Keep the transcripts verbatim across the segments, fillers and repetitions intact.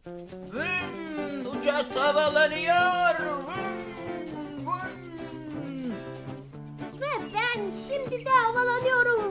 Vın, uçak havalanıyor. Vın, vın. Ve ben şimdi de havalanıyorum.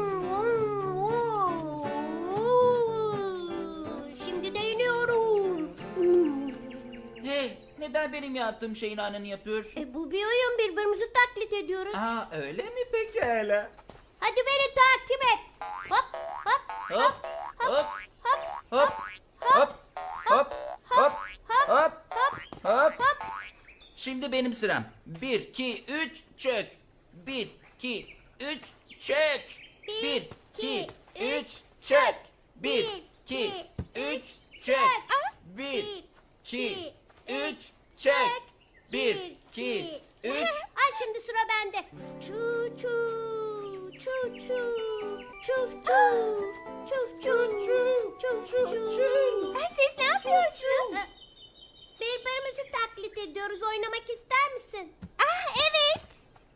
Şimdi de iniyorum. Hey, neden benim yaptığım şeyin aynını yapıyorsun? E, bu bir oyun, birbirimizi taklit ediyoruz. Aa, öyle mi pekala? Hadi beni takip et. Hop hop Hop, hop, hop hop, hop, hop, hop, hop, hop. hop. Şimdi benim sıram. Bir, iki, üç, çök. Bir, iki, üç, çök. Bir, iki, üç, çök. Bir, iki, üç, çök. Bir, iki, üç, çök. Bir, iki, üç. Ay şimdi sıra bende. Çu çu çu çu çu çu çu çu çu çu. Siz ne yapıyorsunuz? Birbirimizi taklit ediyoruz. Oynamak ister misin? Ah evet.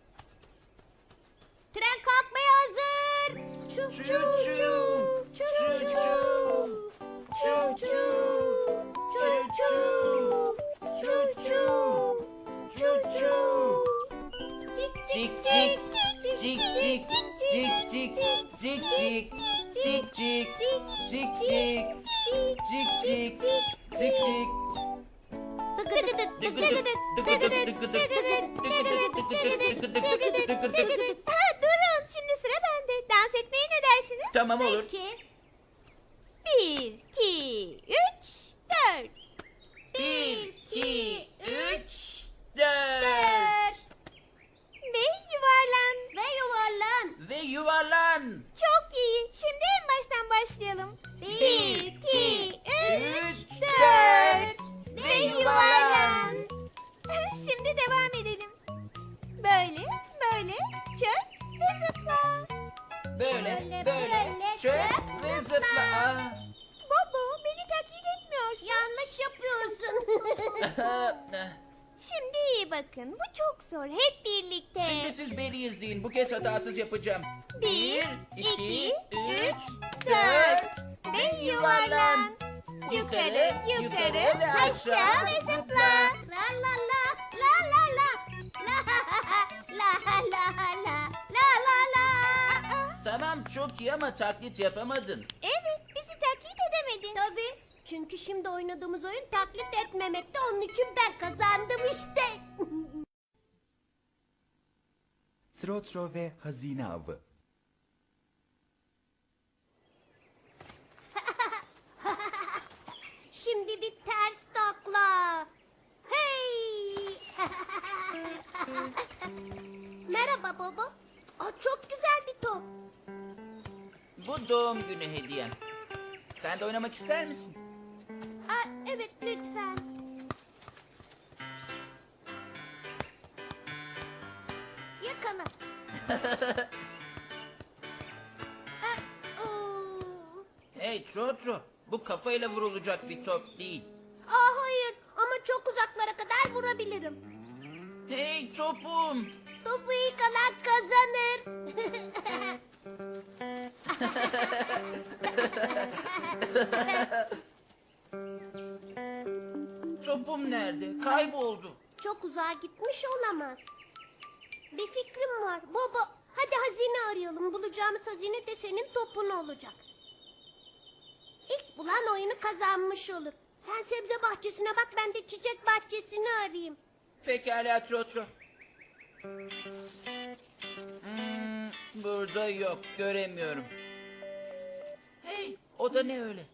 Tren kalkmaya hazır. Çu Çu çu çu, çu çu çu çu, çu çu çu çu çu çu çu. Cik cik, cik cik, cik cik, cik cik, cik cik, cik cik, cik cik, cik cik. Ha, durun şimdi sıra bende. Dans etmeye ne dersiniz? Tamam olur. Peki. Bir, iki, üç, dört. Bir, iki, üç, dört. Dört. Ve yuvarlan. Ve yuvarlan. Ve yuvarlan. Çok iyi. Şimdi en baştan başlayalım. Bir, iki, üç, Üç, dört. Ve yuvarlan. Şimdi devam edelim. Böyle, böyle, çök ve zıpla. Böyle, Böyle, böyle, böyle, çök çök ve ve zıpla. zıpla. Aa. Bobo, beni taklit etmiyorsun. Yanlış yapıyorsun. Şimdi iyi bakın. Bu çok zor. Hep birlikte. Şimdi siz beni izleyin. Bu kez hatasız yapacağım. Bir, iki, iki, üç, dört. dört. Ve yuvarlan. Yukarı, yukarı, aşağı ve zıpla. La la la la la la la la la la la la la. Tamam çok iyi ama taklit yapamadın. Evet, bizi taklit edemedin. Tabii. Çünkü şimdi oynadığımız oyun taklit etmemekte. Onun için ben kazandım işte. Trotro ve Hazine Avı. Şimdilik ters takla. Hey. Merhaba baba. Aa, çok güzel bir top. Bu doğum günü hediyem. Sen de oynamak ister misin? Aa, evet lütfen. Yakala. Aa, oo. Hey Trotro, bu kafayla vurulacak bir top değil. Aa, hayır ama çok uzaklara kadar vurabilirim. Hey topum. Topu ilk alan kazanır. Topum nerede? Kayboldu. Çok uzağa gitmiş olamaz. Bir fikrim var. Baba, hadi hazine arayalım. Bulacağımız hazine de senin topun olacak. İlk bulan oyunu kazanmış olur. Sen sebze bahçesine bak, ben de çiçek bahçesini arayayım. Pekala Trotro. Hmm, burada yok, göremiyorum. Hey, o da ne öyle?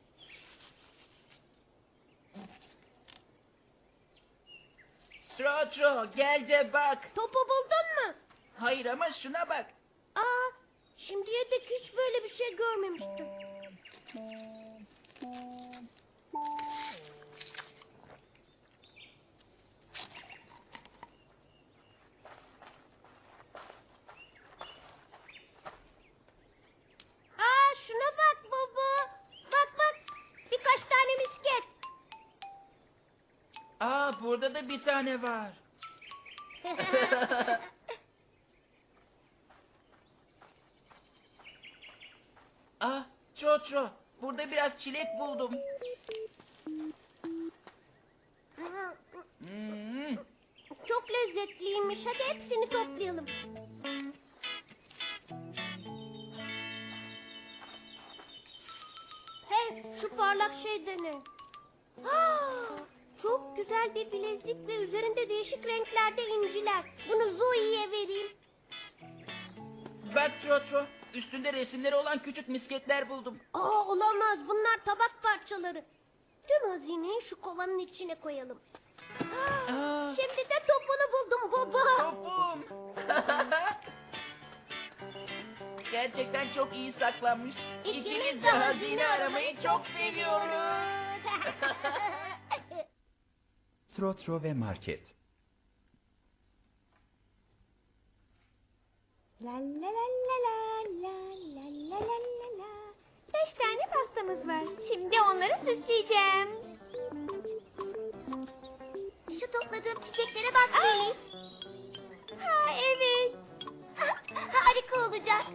Trotro, gel de bak. Topu buldun mu? Hayır ama şuna bak. Aa, şimdiye dek hiç böyle bir şey görmemiştim. Aa, şuna bak baba. Bak bak, birkaç tane misket. Aa, burada da bir tane var. Ah, Trotro, burada biraz çilek buldum. lezzetliymiş. Hadi hepsini toplayalım. Hey, şu parlak şey de ne? Ah, çok güzel bir bilezik ve üzerinde değişik renklerde inciler. Bunu Zoe'ye vereyim. Bak Trotro, üstünde resimleri olan küçük misketler buldum. Aa, olamaz. Bunlar tabak parçaları. Tüm hazineyi şu kovanın içine koyalım. Aa, Şimdi de topunu buldum baba. topum. Gerçekten çok iyi saklanmış. İkimiz de hazine aramayı çok seviyoruz. Trotro ve Market. La la la la la la la la la la. Beş tane pastamız var. Şimdi onları süsleyeceğim. Şu topladığım çiçeklere bak Melis. Ha evet. Harika olacak.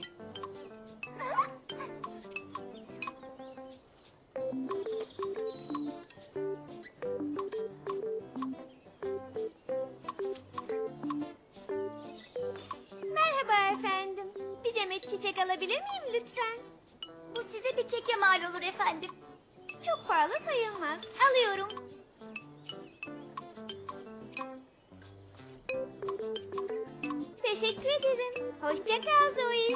Merhaba efendim. Bir demet çiçek alabilir miyim lütfen? Bu size bir keke mal olur efendim. Çok pahalı sayılmaz. Alıyorum. Teşekkür ederim. Hoşça kal Zoe.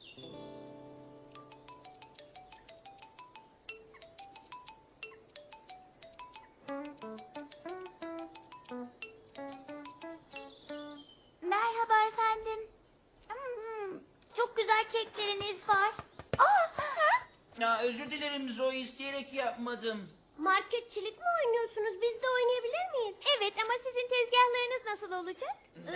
Merhaba efendim. Hmm, çok güzel kekleriniz var. Aa, ha? Ya özür dilerim Zoe, isteyerek yapmadım. Marketçilik mi oynuyorsunuz? Biz de oynayabilir miyiz? Evet ama sizin tezgahlarınız nasıl olacak?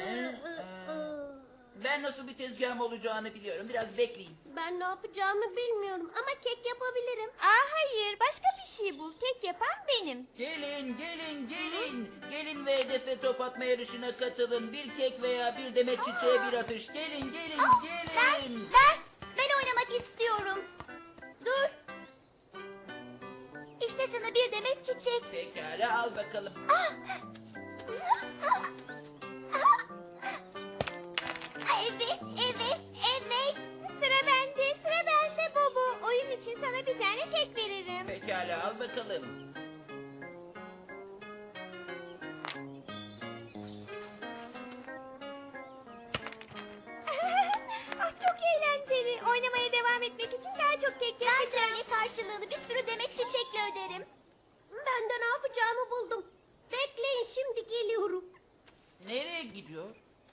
Ben nasıl bir tezgahım olacağını biliyorum. Biraz bekleyin. Ben ne yapacağımı bilmiyorum ama kek yapabilirim. Aa hayır, başka bir şey bul. Kek yapan benim. Gelin, gelin, gelin. Gelin ve hedefe top atma yarışına katılın. Bir kek veya bir demet çiçeğe bir atış. Gelin, gelin, Ben, gelin. ben, ben oynamak istiyorum. Dur. İşte sana bir demet çiçek. Pekala, al bakalım. Evet, evet, evet. Sıra bende, sıra bende Bobo. Oyun için sana bir tane kek veririm. Pekala, al bakalım. Ah çok eğlenceli. Oynamaya devam etmek için daha çok kek Ben yapacağım. tane karşılığını bir sürü demet çiçekle öderim. Ben de ne yapacağımı buldum. Bekleyin, şimdi geliyorum. Nereye gidiyor?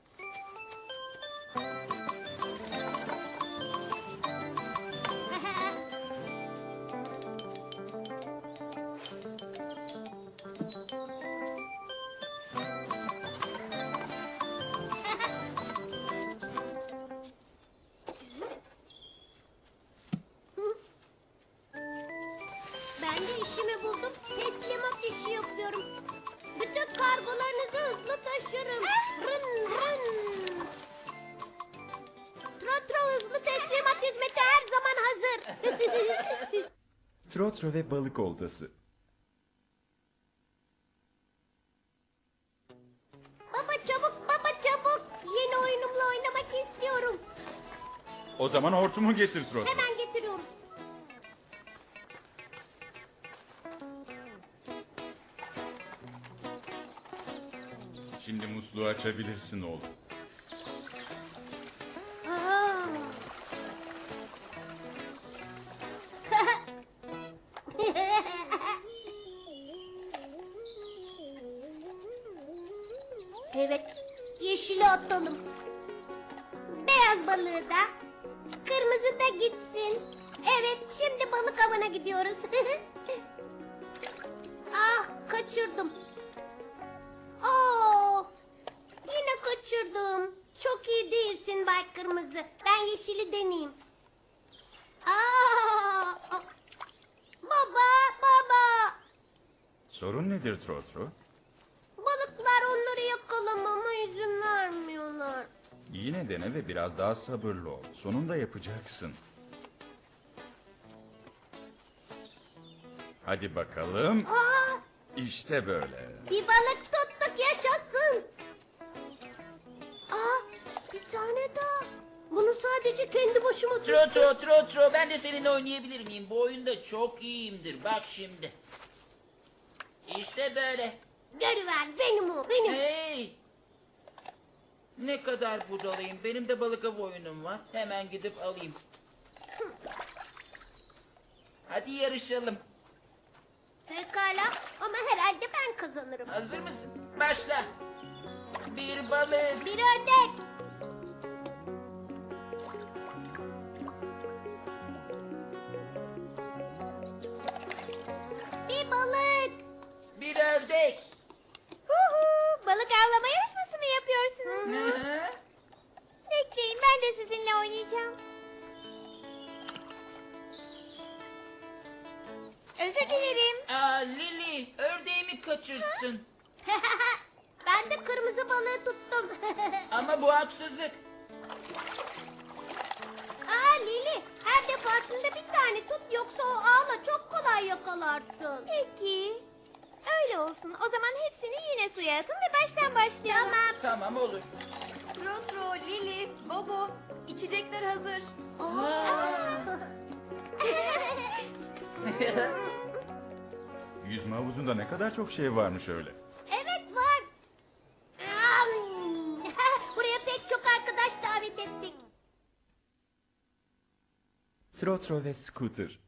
Ben de işimi buldum. Teslimat işi yapıyorum. Bütün kargolarınızı hızlı taşırım. Rın rın. Trotro hızlı teslimat hizmeti her zaman hazır. Trotro ve balık oltası. Baba çabuk, baba çabuk. Yeni oyunumla oynamak istiyorum. O zaman hortumu getir Trotro. Hemen getiriyorum. Şimdi musluğu açabilirsin oğlum. Aa. Evet, yeşili atalım. Beyaz balığı da, kırmızı da gitsin. Evet, şimdi balık avına gidiyoruz. Ah, kaçırdım. Oo, yine kaçırdım. Çok iyi değilsin Bay Kırmızı. Ben yeşili deneyeyim. Aa, baba, baba. Sorun nedir Trotro? Balıklar onları yakalamama izin vermiyorlar. Yine dene ve biraz daha sabırlı ol. Sonunda yapacaksın. Hadi bakalım. Aa, İşte böyle. bir balık tuttuk, yaşasın. tane daha. Bunu sadece kendi başıma tuttum. Tro tro tro tro ben de seninle oynayabilir miyim? Bu oyunda çok iyiyimdir. Bak şimdi. İşte böyle. Görüver benim o benim. Hey! Ne kadar budalıyım. Benim de balık avı oyunum var. Hemen gidip alayım. Hadi yarışalım. Pekala ama herhalde ben kazanırım. Hazır mısın? Başla. Bir balık. Bir ördek. Bir balık. Bir ördek. Huhu, balık avlama yarışması mı yapıyorsunuz? Hı hı. Bekleyin, ben de sizinle oynayacağım. Özür dilerim. Aa Lili, ördeğimi kaçırttın. Ben de kırmızı balığı tuttum. Ama bu haksızlık. Aa Lili, her defasında bir tane tut yoksa o ağla çok kolay yakalarsın. Peki. Öyle olsun. O zaman hepsini yine suya atın ve baştan başlayalım. Tamam. Tamam olur. Trotro, Lili, Bobo, içecekler hazır. Yüzme havuzunda ne kadar çok şey varmış öyle. Evet var. Am. Buraya pek çok arkadaş davet ettik. Trotro ve Scooter.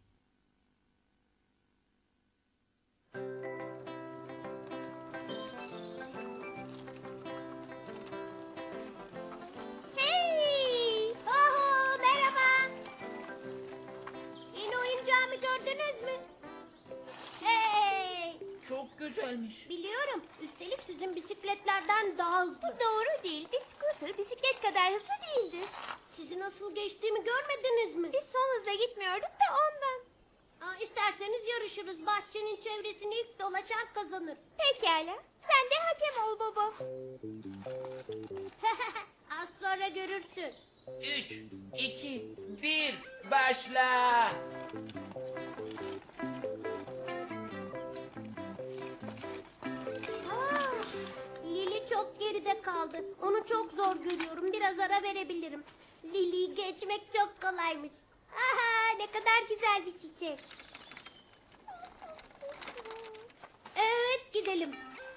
Hey! Oho, merhaba. Yeni oyuncağımı gördünüz mü? Hey! Çok güzelmiş. Biliyorum. Üstelik sizin bisikletlerden daha hızlı. Doğru değil. Bir scooter bisiklet kadar hızlı değildir. Sizi nasıl geçtiğimi görmediniz mi? Biz son hıza gitmiyorduk da ondan. Aa, isterseniz yarışırız. Bahçenin çevresini ilk dolaşan kazanır. Pekala. Sen de hakem ol Bobo. Az sonra görürsün. Üç, iki, bir, başla. Aa, Lili çok geride kaldı. Onu çok zor görüyorum. Biraz ara verebilirim. Lili'yi geçmek çok kolaymış. Aha, ne kadar güzel bir çiçek. Evet, gidelim.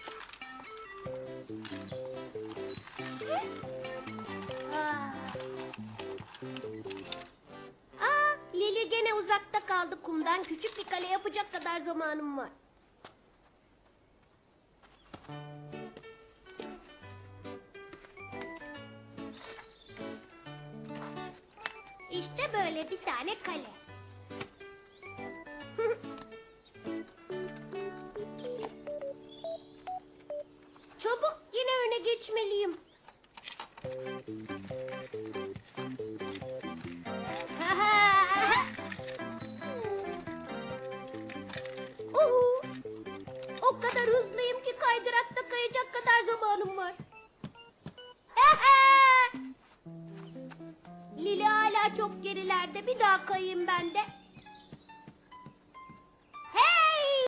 Aa. Aa, Lili gene uzakta kaldı kumdan. Küçük bir kale yapacak kadar zamanım var. İşte böyle bir tane kale. Çabuk, yine öne geçmeliyim. Uhu. O kadar hızlıyım ki kaydırakta kayacak kadar zamanım var. Lili hala çok gerilerde. Bir daha kayayım ben de.